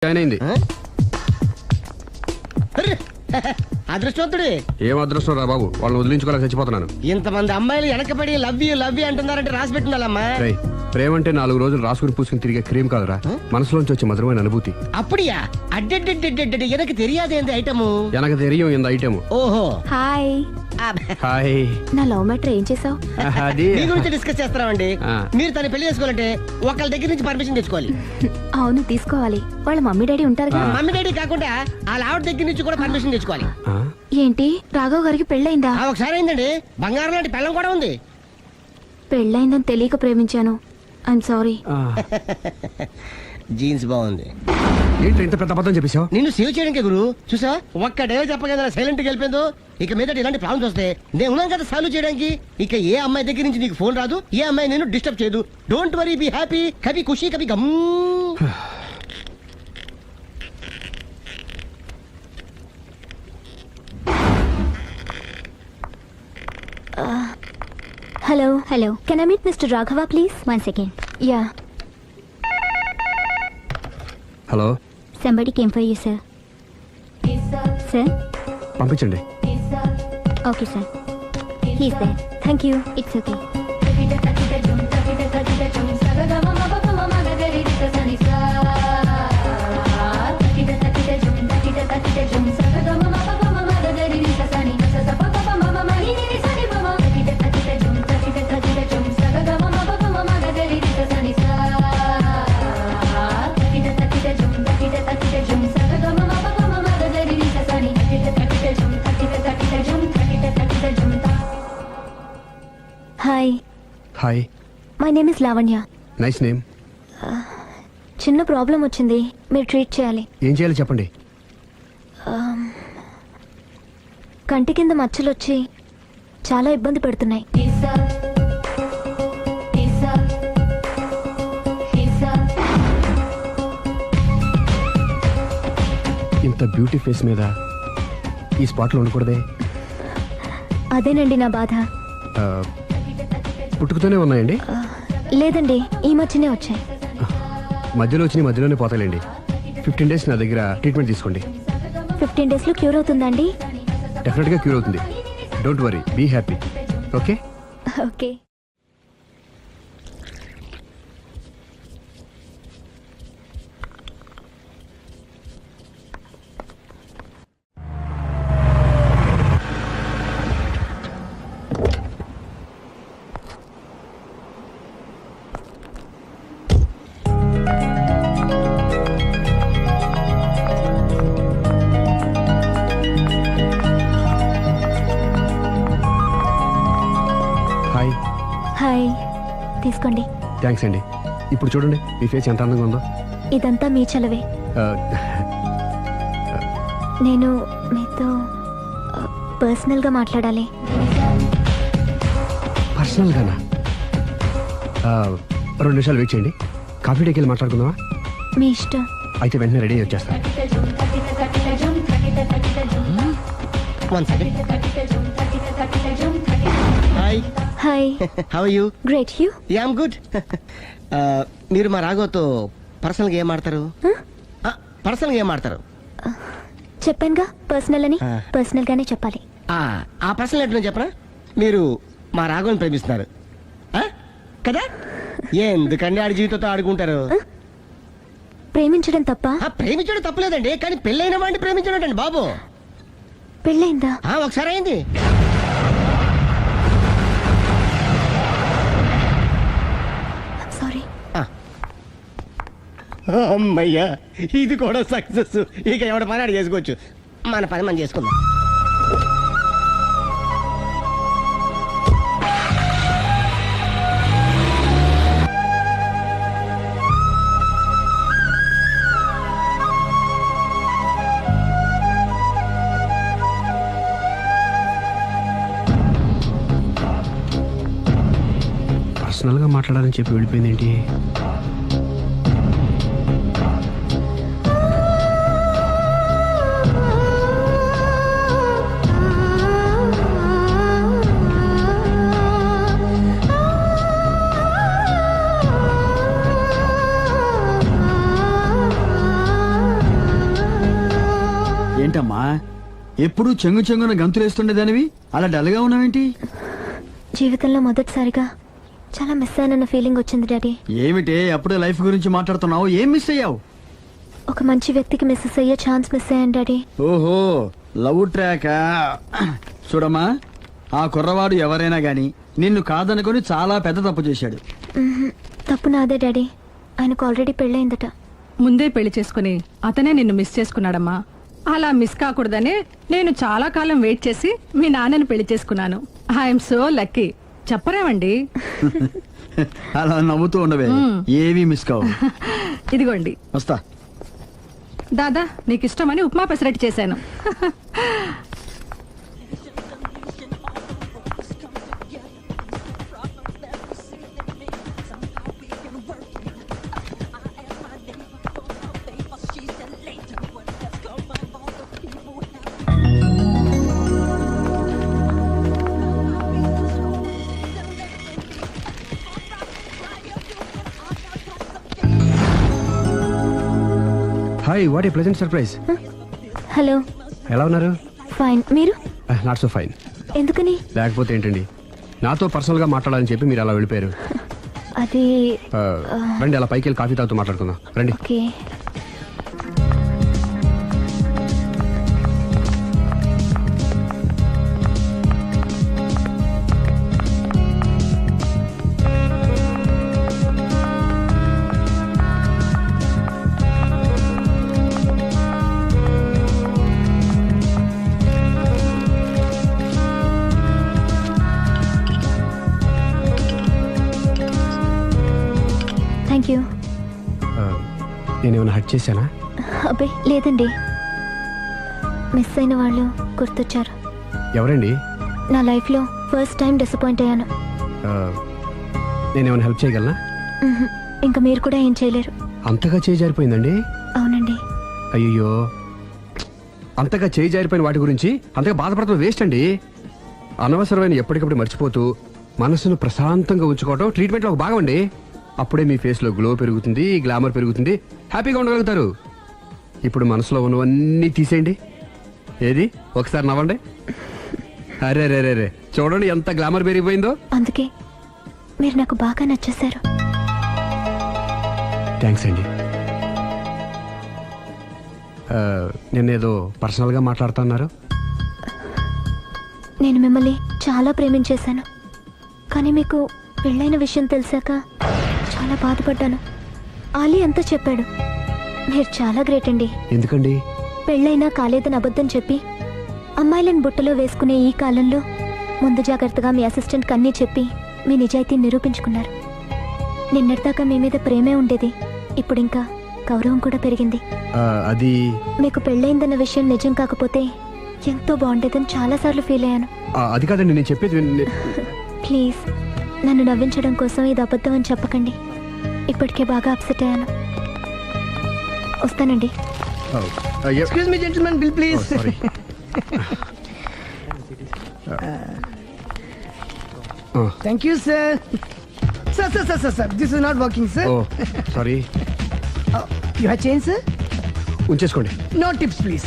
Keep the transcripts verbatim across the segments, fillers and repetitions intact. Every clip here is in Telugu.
టైన్ అయింది. అదృష్టవంతుడి. ఏం అదృష్టం రా బాబు, వాళ్ళని వదిలించుకోలేక చచ్చిపోతున్నాను. ఇంతమంది అమ్మాయిలు వెనకబడి లవ్ యూ లవ్ యూ అంటున్నారంటే రాసి పెట్టుండాలమ్మా. రేయ్, ప్రేమ అంటే నాలుగు రోజులు రాసుకుని పూసుకుని తిరిగే క్రీమ్ కాదురా, మనసులోంచి వచ్చే మధురమైన అనుభూతి. అప్పుడియా అడ్డెడ్డెడ్డెడ్డెడ్ ఎనకు తెలియదేంది ఐటము. ఎనకు తెలియం ఇంత ఐటమ్. ఓహో హాయ్. హాయ్. నా లవ్ మ్యాటర్ ఏం చేసావు? అది మీ గురించి డిస్కస్ చేస్తున్నామండి. ఆ. మీరు తన పెళ్లి చేసుకోవాలంటే ఒకళ్ళ దగ్గర నుంచి పర్మిషన్ తెచ్చుకోవాలి. అవును తీసుకోవాలి. వాళ్ళ మమ్మీ డాడీ ఉంటారుగా. మమ్మీ డాడీ కాకుండా వాళ్ళ ఆవిడ దగ్గర నుంచి కూడా పర్మిషన్ తెచ్చుకోవాలి. ఆ? ఏంటి రాఘవ్ గారికి పెళ్ళయిందా? ఆ ఒకసారి అయిందండి. బంగారం లాంటి పెళ్ళం కూడా ఉంది. పెళ్ళయిందని తెలియక ప్రేమించాను. I'm sorry. ఆ. జీన్స్ బాగుంది. ఏంటి ఇంత పెద్ద అబద్ధం చెప్పేశావు? నిన్ను సేవ్ చేయడానికి గురు చూసా ఒక్క డే చెప్పగల సైలెంట్ గా వెళ్ళిపోయిందో. ఇక మీద ఇలాంటి ప్రాబ్లమ్స్ వస్తే నేను ఉన్నాను కదా సాల్వ్ చేయడానికి. ఇక ఏ అమ్మాయి దగ్గర నుంచి నీకు ఫోన్ రాదు, ఏ అమ్మాయి నేను డిస్టర్బ్ చేయదు. Don't worry, be happy. Kabhi Khushi Kabhi Gham. Hello hello can I meet mister Raghava please? One second. Ya. Hello. Somebody came for you sir. Sir పంపించండి. Okay sir. He's there. Thank you. It's okay. Hi. Hi. My name is Lavanya. Nice name. చిన్న ప్రాబ్లం వచ్చింది, మీరు ట్రీట్ చేయాలి. ఏం చేయాలి చెప్పండి. కంటి కింద మచ్చలు వచ్చి చాలా ఇబ్బంది పెడుతున్నాయి. ఇంత బ్యూటీ ఫేస్ మీద ఈ స్పాట్లో ఉండకూడదే. అదేనండి నా బాధ. ఆ, పుట్టుకతోనే ఉన్నాయండి? లేదండి, ఈ మధ్యనే వచ్చాయి. మధ్యలో వచ్చి మధ్యలోనే పోతాయండి. ఫిఫ్టీన్ డేస్ నా దగ్గర ట్రీట్మెంట్ తీసుకోండి. ఫిఫ్టీన్ డేస్లో క్యూర్ అవుతుందండి? డెఫినెట్గా క్యూర్ అవుతుంది. Don't worry, be happy. Okay okay. Hi. Hi, తీసుకోండి. థ్యాంక్స్ అండి. ఇప్పుడు చూడండి మీ ఫేస్ ఎంత అందంగా ఉందో. ఇదంతా మీ చలవే. ఆ, నేను మీతో పర్సనల్గా మాట్లాడాలి. పర్సనల్గానా? ఆ, రెండు నిమిషాలు వెయిట్ చేయండి. కాఫీ డేకి వెళ్ళి మాట్లాడుకుందామా? మీ ఇష్టం. అయితే వెంటనే రెడీ వచ్చేస్తాను. One second. Hi. Hi. How are you? Great. You? Ya I'm good. మీరు మా రాఘవతో పర్సనల్గా ఏం ఆడతారు? పర్సనల్గా ఏం ఆడతారు? చెప్పానుగా పర్సనల్ అని. ఆ. పర్సనల్ గానే చెప్పాలి. ఆ, ఆ పర్సనల్ ఏంటో చెప్పరా? మీరు మా రాఘవని ప్రేమిస్తున్నారు ఆ? కదా? ఎందుకండి ఆడి జీవితంతో ఆడుకుంటారు? ప్రేమించడం తప్ప? ఆ, ప్రేమించడం తప్పలేదండి, కానీ పెళ్ళైన వాడిని ప్రేమించడం అండి బాబు. పెళ్ళైందా? ఆ, ఒకసారి అయింది. సారీ. అమ్మయ్యా, ఇది కూడా సక్సెస్. ఇక ఎవడ పని ఆడు చేసుకోవచ్చు. మన పని మనం చేసుకుందాం. పర్సనల్గా మాట్లాడాలని చెప్పి వెళ్ళిపోయింది ఏంటి? ఏంటమ్మా ఎప్పుడు చెంగు చెంగున గంతులేస్తుండేదానివి అలా డల్గా ఉన్నావేంటి? జీవితంలో మొదటిసారిగా చాలా మిస్ అయ్యానన్న ఫీలింగ్ వచ్చింది డాడీ. ఏమిటే అప్పుడే లైఫ్ గురించి మాట్లాడుతున్నావు? ఏం మిస్ అయ్యావు? ఒక మంచి వ్యక్తికి మిస్సెస్ అయ్యే ఛాన్స్ మిస్ అయ్యాను డాడీ. ఓహో లవ్ ట్రాక్. చూడమ్మా, ఆ కుర్రవాడు ఎవరైనా గాని నిన్ను కాదనుకొని చాలా పెద్ద తప్పు చేశాడు. మ్మ్హ్మ్. తప్పు నాదే డాడీ. ఆయనకు ఆల్రెడీ పెళ్ళయిందట. ముందే పెళ్లి చేసుకుని అతనే నిన్ను మిస్ చేసుకున్నాడమ్మా. అలా మిస్ కాకూడదని నేను చాలా కాలం వెయిట్ చేసి మీ నాన్నని పెళ్లి చేసుకున్నాను. I'm so lucky. చెప్పరేమండి? అలా నవ్వుతూ ఉండవే, ఏవి మిస్ కావు. ఇదిగోండి. వస్తా. దాదా నీకు ఇష్టమని ఉప్మా పెసరట్టు చేశాను. Hi, what a pleasant surprise. Hello. ఎలా ఉన్నారు? ఫైన్. మీరు? Not so fine. ఎందుకని? లేకపోతే ఏంటండి, నాతో పర్సనల్గా మాట్లాడాలని చెప్పి మీరు అలా వెళ్ళిపోయారు. అది ఆ, రండి అలా పైకి వెళ్ళి కాఫీ తాగుతూ మాట్లాడుకుందాం రండి. ఓకే. Thank you. ఆ, నేనేమైనా హట్ చేశానా? అబ్బే లేదండి. మిస్ అయిన వాళ్ళు గుర్తొచ్చారు. ఎవరండి? నా లైఫ్లో ఫస్ట్ టైం డిసప్పాయింట్ అయ్యాను. ఆ, నేనేమైనా హెల్ప్ చేయగలనా? మ్మ్హ్మ్. ఇంకా మీరు కూడా ఏం చేయలేరు. అంతగా చేయి జారిపోయిందండి? అవునండి. అయ్యో, అంతగా చేయి జారిపోయిన వాటి గురించి అంతగా బాధపడటం వేస్ట్ అండి. అనవసరమైన ఎప్పటికప్పుడు మర్చిపోతూ మనసును ప్రశాంతంగా ఉంచుకోవడం ట్రీట్మెంట్లో ఒక భాగం అండి. అప్పుడే మీ ఫేస్లో గ్లో పెరుగుతుంది, గ్లామర్ పెరుగుతుంది, హ్యాపీగా ఉండగలుగుతారు. ఇప్పుడు మనసులో ఉన్నవన్నీ తీసేయండి. ఏది ఒకసారి నవ్వండి. అరే రే రే రే చూడండి ఎంత గ్లామర్ పెరిగిపోయిందో. అందుకే మీరు నాకు బాగా నచ్చేశారు. థ్యాంక్స్ అండి. ఆ, నిన్నేదో పర్సనల్గా మాట్లాడుతున్నారు. నేను మిమ్మల్ని చాలా ప్రేమించేశాను. కానీ మీకు పెళ్ళైన విషయం తెలిసాక చాలా బాధపడ్డాను. ఆలీ అంతా చెప్పాడు. మీరు చాలా గ్రేట్ అండి. ఎందుకండి? పెళ్ళైనా కాలేదని అబద్ధం చెప్పి అమ్మాయిలను బుట్టలో వేసుకునే ఈ కాలంలో ముందు జాగ్రత్తగా మీ అసిస్టెంట్ కన్నీ చెప్పి మీ నిజాయితీ నిరూపించుకున్నారు. నిన్నటిదాకా మీ మీద ప్రేమే ఉండేది, ఇప్పుడు ఇంకా గౌరవం కూడా పెరిగింది. ఆ, అది మీకు పెళ్ళైందన్న విషయం నిజం కాకపోతే ఎంతో బాగుండేదని చాలాసార్లు ఫీల్ అయ్యాను. ఆ, అది కాదండి నేను చెప్పేది విన్- ప్లీజ్ నన్ను నవ్వించడం కోసం ఇది అబద్ధం అని చెప్పకండి. ఇప్పటికే బాగా అప్సెట్ అయ్యాను. వస్తానండి. ఆ, ఆ, ఎ- excuse me gentlemen, bill oh, please. Sorry. ఆ, thank you sir. Sir sir sir sir sir this is not working sir. Oh sorry. You have change sir? ఉంచేసుకోండి. No tips please.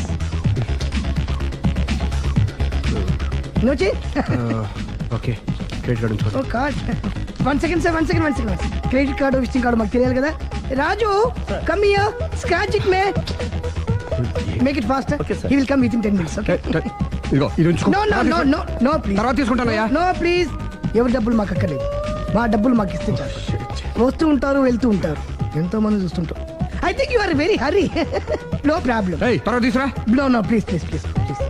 No change? ఆ, ఓకే, క్రెడిట్ కార్డు ఉంచుకోండి. Oh card. One second sir, one second one second credit card visiting card మాకు తెలియాలి కదా. Raju come here, scratch it may, make it fast. He will come within ten minutes. Okay. ట- ట- ఇదిగో ఇది ఉంచుకో. No no no no no please. తర్వాత తీసుకుంటానయ్యా. No please. ఎవరి డబ్బులు మాకు అక్కర్లేదు. మా డబ్బులు మాకు ఇస్తే చాలు. వస్తూ ఉంటారు, వెళ్తూ ఉంటారు, ఎంతో మంది చూస్తుంటారు. I think you are very hurry. No problem. ఏయ్, తర్వాత తీసురా. No no please please please please.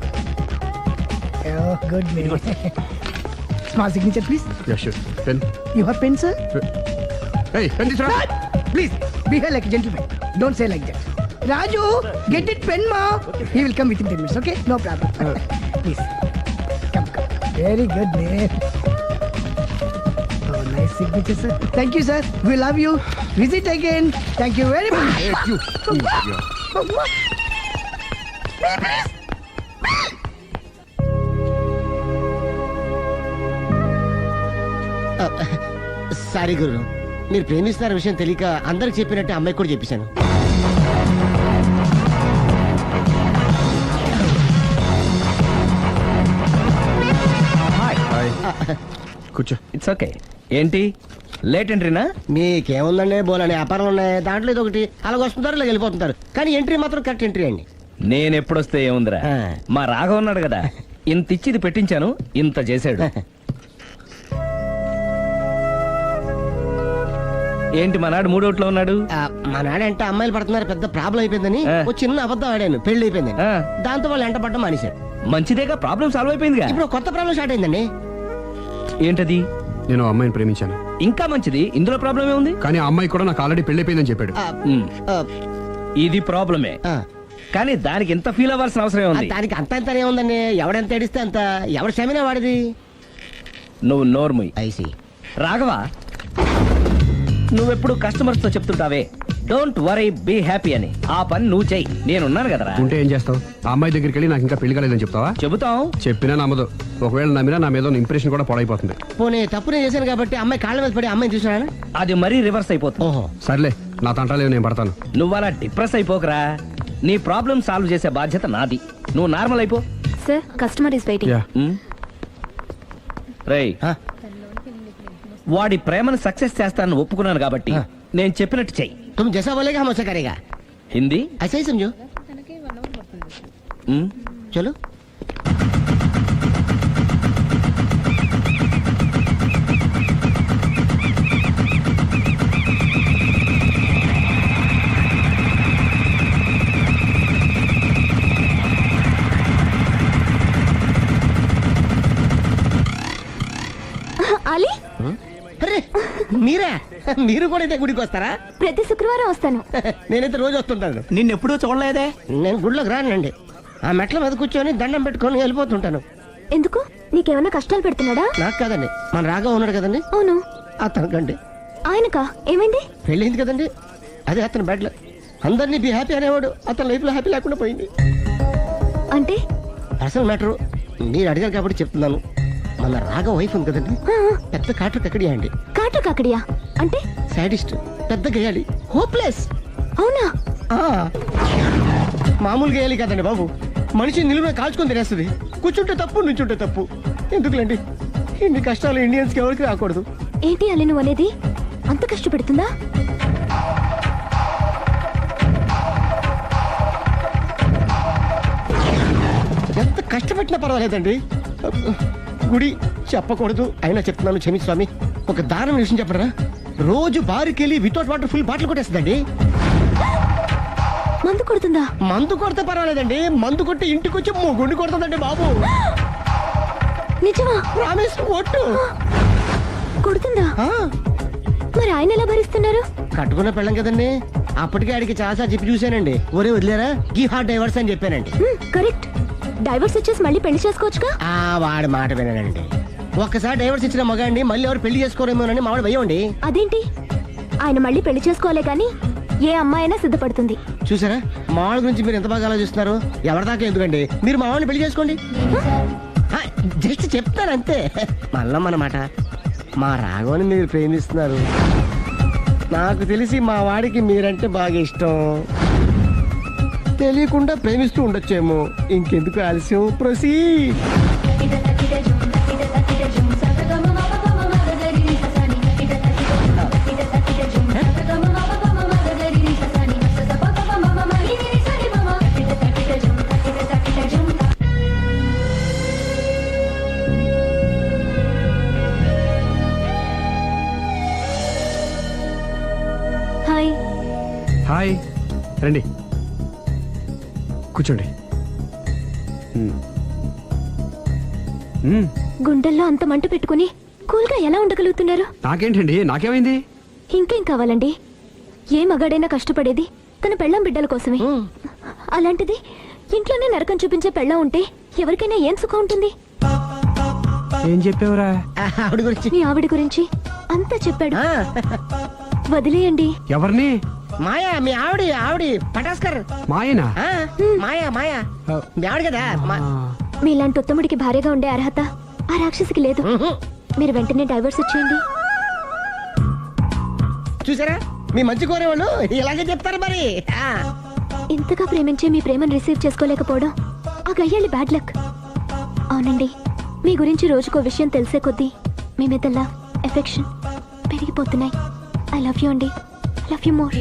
Good may. Small signature please. Yeah sure. Pen. You have pen sir? ఏయ్, పెన్ తీసురా. Please, behave like a gentleman. Don't say like that. Raju, get it pen, ma. He will come within ten minutes, okay? No problem. Please. Come, come. Very good, man. Oh, nice signature, sir. Thank you, sir. We love you. Visit again. Thank you very much. Hey, you. Yeah. Sorry గురు, మీరు ప్రేమిస్తున్న విషయం తెలియక అందరికి చెప్పినట్టు అమ్మాయికి కూడా చెప్పేశాను. It's okay. ఏంటి లేట్ ఎంట్రీనా? మీకేముందండి బోలని వ్యాపారాలు ఉన్నాయి, దాంట్లో ఇది ఒకటి అలాగ వస్తుంటారు ఇలా వెళ్ళిపోతుంటారు, కానీ ఎంట్రీ మాత్రం కరెక్ట్ ఎంట్రీ అండి. నేను ఎప్పుడొస్తే ఏముందిరా, ఆ. మా రాఘవ ఉన్నాడు కదా, ఇంత ఇచ్చి ఇది పెట్టించాను, ఇంత చేశాడు. ఏంటి మా నాడు మూడోట్లో ఉన్నాడు? ఆ, మా నాడంటే అమ్మాయిలు పడుతున్నారు పెద్ద ప్రాబ్లం అయిపోయిందని ఆ. ఒక చిన్న అబద్ధం ఆడాను, పెళ్లి అయిపోయింది. ఆ. దాంతో వాళ్ళు ఎంట పడ్డం మానేశారు. మంచిదేగా, ప్రాబ్లం సాల్వ్ అయిపోయిందిగా. ఇప్పుడు కొత్త ప్రాబ్లం స్టార్ట్ అయిందండి. ఏంటది? నేను ఆ అమ్మాయిని ప్రేమించాను, ఇంకా మంచిది, ఇందులో ప్రాబ్లం ఏముంది? కానీ ఆ అమ్మాయి కూడా నాకు ఆల్రెడీ పెళ్ళైపోయిందని చెప్పాడు. ఆ, ఉమ్, ఆ, ఇది ప్రాబ్లమే, ఆ. కానీ దానికి ఇంత ఫీల్ అవ్వాల్సిన అవసరం ఆ, ఉంది? దానికి అంత అంత ఏముందండి, ఎవడెంత ఏడిస్తే అంత, ఎవరి క్షమినా వాడిది. నువ్వు నోర్ముయ్. ఐసి రాఘవ, నువ్వెప్పుడు కస్టమర్స్ తో చెప్తుంటావే డోంట్ వరీ బీ హ్యాపీ అని, ఆ పని నువ్వు చెయ్యి, నేనున్నాను కదరా. ఉంటే ఏం చేస్తావు? ఆ అమ్మాయి దగ్గరికి వెళ్ళి నాకు ఇంకా పెళ్లి కాలేదని చెప్తావా? చెబుతాం. చెప్పినా నమ్మదు. ఒకవేళ నమ్మినా నా మీద ఇంప్రెషన్ కూడా పాడైపోతుంది. పోనీ తప్పు నేను చేశాను కాబట్టి అమ్మాయి కాళ్ళ మీద పడి అమ్మాయిని చూసినా. అది మరీ రివర్స్ అయిపోతుంది. ఓహో, సర్లే, నా తంటాలేవు, నేను పడతాను. నువ్వు అలా డిప్రెస్ అయిపోకరా, నీ ప్రాబ్లం సాల్వ్ చేసే బాధ్యత నాది, నువ్వు నార్మల్ అయిపో. Sir customer is waiting. Yeah, రేయ్, ఆ, వాడి ప్రేమను సక్సెస్ చేస్తానని ఒప్పుకున్నాను కాబట్టి ఆ. నేను చెప్పినట్టు చెయ్యి. तुम जैसा बोलेगा हम वैसा करेगा. హిందీ? ऐसा ही समझो. ఉమ్, चलो. అలీ, అరే మీరా, మీరు కూడా అయితే గుడికి వస్తారా? ప్రతి శుక్రవారం వస్తాను. నేనైతే రోజు వస్తుంటాను. నిన్నెప్పుడూ చూడలేదే. నేను గుడిలోకి రానండి, ఆ మెట్ల మీద కూర్చొని దండం పెట్టుకొని వెళ్ళిపోతుంటాను. ఎందుకు? నీకేమైనా కష్టాలు పెడుతున్నాడా? నాకు కాదండి, మన రాగా ఉన్నాడు కదండి, అవును. అతనికండి ఆయనకా ఏమైంది? పెళ్ళైంది కదండి, అదే అతని బెడ్ లో అందరినీ బి హ్యాపీ అనేవాడు, అతని లైఫ్ లో హ్యాపీ లేకుండా పోయింది. అంటే అసలు మ్యాటర్ మీరు అడిగారు కాబట్టి చెప్తున్నాను. మన రాగా వైఫ్ ఉంది కదండి, ఆ, పెద్ద కాటర్ కక్కడియా అండి, కాటు కాకడియా అంటే? సాడిస్ట్, పెద్ద గేయాలి, హోప్లెస్. అవునా? మామూలు గేయాలి కదండి బాబు, మనిషి నిలువున కాల్చుకొని తినేస్తుంది. కూర్చుంటే తప్పు, నుంచుంటే తప్పు. ఎందుకులేండి ఇన్ని కష్టాలు ఇండియన్స్ కి ఎవరికి రాకూడదు. ఏంటి అల్లి నువ్వు అనేది? అంత కష్టపెడుతుందా? ఎంత కష్టపెట్టినా పర్వాలేదండి. గుడి చెప్పకూడదు అయినా చెప్తున్నాను, క్షమించు స్వామి. ఒక దారుణ విషయం చెప్పరా, రోజు బారుకి వెళ్ళి వితౌట్ వాటర్ ఫుల్ బాటిల్ కొట్టేస్తుందండి. మందు కొడుతుందా? మందు కొడితే పర్వాలేదండి, మందు కొట్టి ఇంటికి వచ్చి గుండి కొడుతుందండి బాబు. నిజమా? ప్రామిస్, ఒట్టు. కొడుతుందా? ఆ, మరి ఆయన ఎలా భరిస్తున్నారు? కట్టుకున్న పెళ్ళం కదండి, అప్పటికే ఆడికి చాలా చెప్పి చూశానండి. ఒరే వదిలేరా, గీ హార్ట్ డైవర్స్ అని చెప్పానండి. హ్మ్, కరెక్ట్. డైవర్స్ ఇచ్చేసి మళ్ళీ పెళ్లి చేసుకోవచ్చుగా. ఆ వాడి మాట వినండి, ఒక్కసారి డైవర్స్ ఇచ్చిన మగాండి మళ్ళీ ఎవరు పెళ్లి చేసుకోరేమోనని మావాడు భయం. అదేంటి? ఆయన మళ్ళీ పెళ్లి చేసుకోలే కానీ ఏ అమ్మాయి అయినా సిద్ధపడుతుంది. చూసారా మావాళ్ళ గురించి మీరు ఎంత బాగా ఆలోచిస్తున్నారు. ఎవరి దాకా ఎందుకండి, మీరు మా వాడిని పెళ్లి చేసుకోండి. జస్ట్ చెప్తారు అంతే. మళ్ళా మన మాట, మా రాఘవని మీరు ప్రేమిస్తున్నారు, నాకు తెలిసి మా వాడికి మీరంటే బాగా ఇష్టం. తెలియకుండా ప్రేమిస్తూ ఉండొచ్చేమో. ఇంకెందుకు ఆలస్యం, ప్రొసీ. హాయ్. హాయ్, రండి కూర్చోండి. మ్మ్. మ్మ్. గుండెల్లో అంత మంట పెట్టుకుని కూల్గా ఎలా ఉండగలుగుతున్నారు? నాకేంటండి, నాకేమైంది? ఇంకేం కావాలండి? ఏ మగాడైనా కష్టపడేది తన పెళ్ళాం బిడ్డల కోసమే. అలాంటిది ఇంట్లోనే నరకం చూపించే పెళ్ళాం ఉంటే ఎవరికైనా ఏం సుఖం ఉంటుంది? ఏం చెప్పావురా? ఆవిడ గురించి మీ ఆవిడ గురించి అంతా చెప్పాడు. ఆ, వదిలేయండి. ఎవరిని? మాయా, మీ ఆవిడ ఆవిడ పటాస్కర్. మాయనా? ఆ, మాయా మాయా మీ ఆవిడ కదా. మా- మీలాంటి ఉత్తముడికి భార్యగా ఉండే అర్హత ఆ రాక్షసికి లేదు. ఉహు. మీరు వెంటనే డైవర్స్ ఇచ్చేయండి. చూసారా, మీ మంచి కోరేవాళ్ళు ఇలాగే చెప్తారు మరి. ఆ, ఇంతగా ప్రేమించే మీ ప్రేమను రిసీవ్ చేసుకోలేకపోవడం ఆ గయ్యాళి బ్యాడ్ లక్. అవునండి, మీ గురించి రోజుకో విషయం తెలిసే కొద్దీ మీ మీద లవ్ ఎఫెక్షన్ పెరిగిపోతున్నాయి. ఐ లవ్ యూ అండి. I love you more.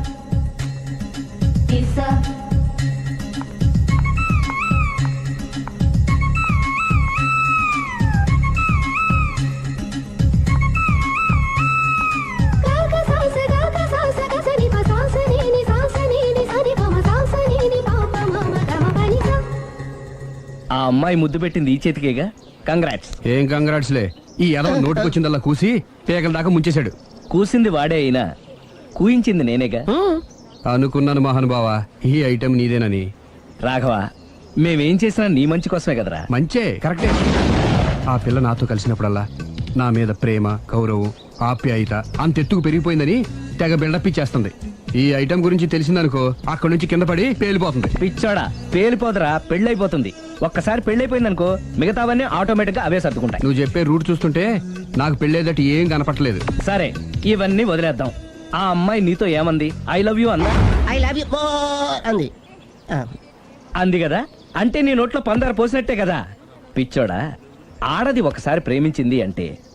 ఆ అమ్మాయి ముద్దు పెట్టింది ఈ చేతికేగా. కంగ్రాట్స్. ఏం కంగ్రాట్స్లే, ఈ ఎదవ నోటుకొచ్చిందల్లా కూసి పేకల దాకా ముంచేశాడు. కూసింది వాడే అయినా కూయించింది నేనేగా. అనుకున్నాను మహానుభావా, ఈ ఐటెం నీదేనని. రాఘవ, మేమేం చేసినా నీ మంచి కోసమే కదరా. మంచే, కరెక్టే. ఆ పిల్ల నాతో కలిసినప్పుడల్లా నా మీద ప్రేమ, గౌరవం, ఆప్యాయత అంతెత్తుకు పెరిగిపోయిందని తెగ బిల్డప్ ఇచ్చేస్తుంది. ఈ ఐటెం గురించి తెలిసిందనుకో అక్కడి నుంచి కింద పడి పేలిపోతుంది. పిచ్చోడా, పేలిపోదరా, పెళ్ళైపోతుంది. ఒక్కసారి పెళ్ళైపోయిందనుకో మిగతావన్నీ ఆటోమేటిక్ గా అవే సర్దుకుంటాయి. నువ్వు చెప్పే రూట్ చూస్తుంటే నాకు పెళ్ళేదట ఏం కనపట్లేదు. సరే, ఇవన్నీ వదిలేద్దాం. ఆ అమ్మాయి నీతో ఏమంది? ఐ లవ్ యూ అందా? ఐ లవ్ యూ మోర్ అంది. ఆ, అంది కదా, అంటే నీ నోట్లో పందారు పోసినట్టే కదా. పిచ్చోడా, ఆడది ఒకసారి ప్రేమించింది అంటే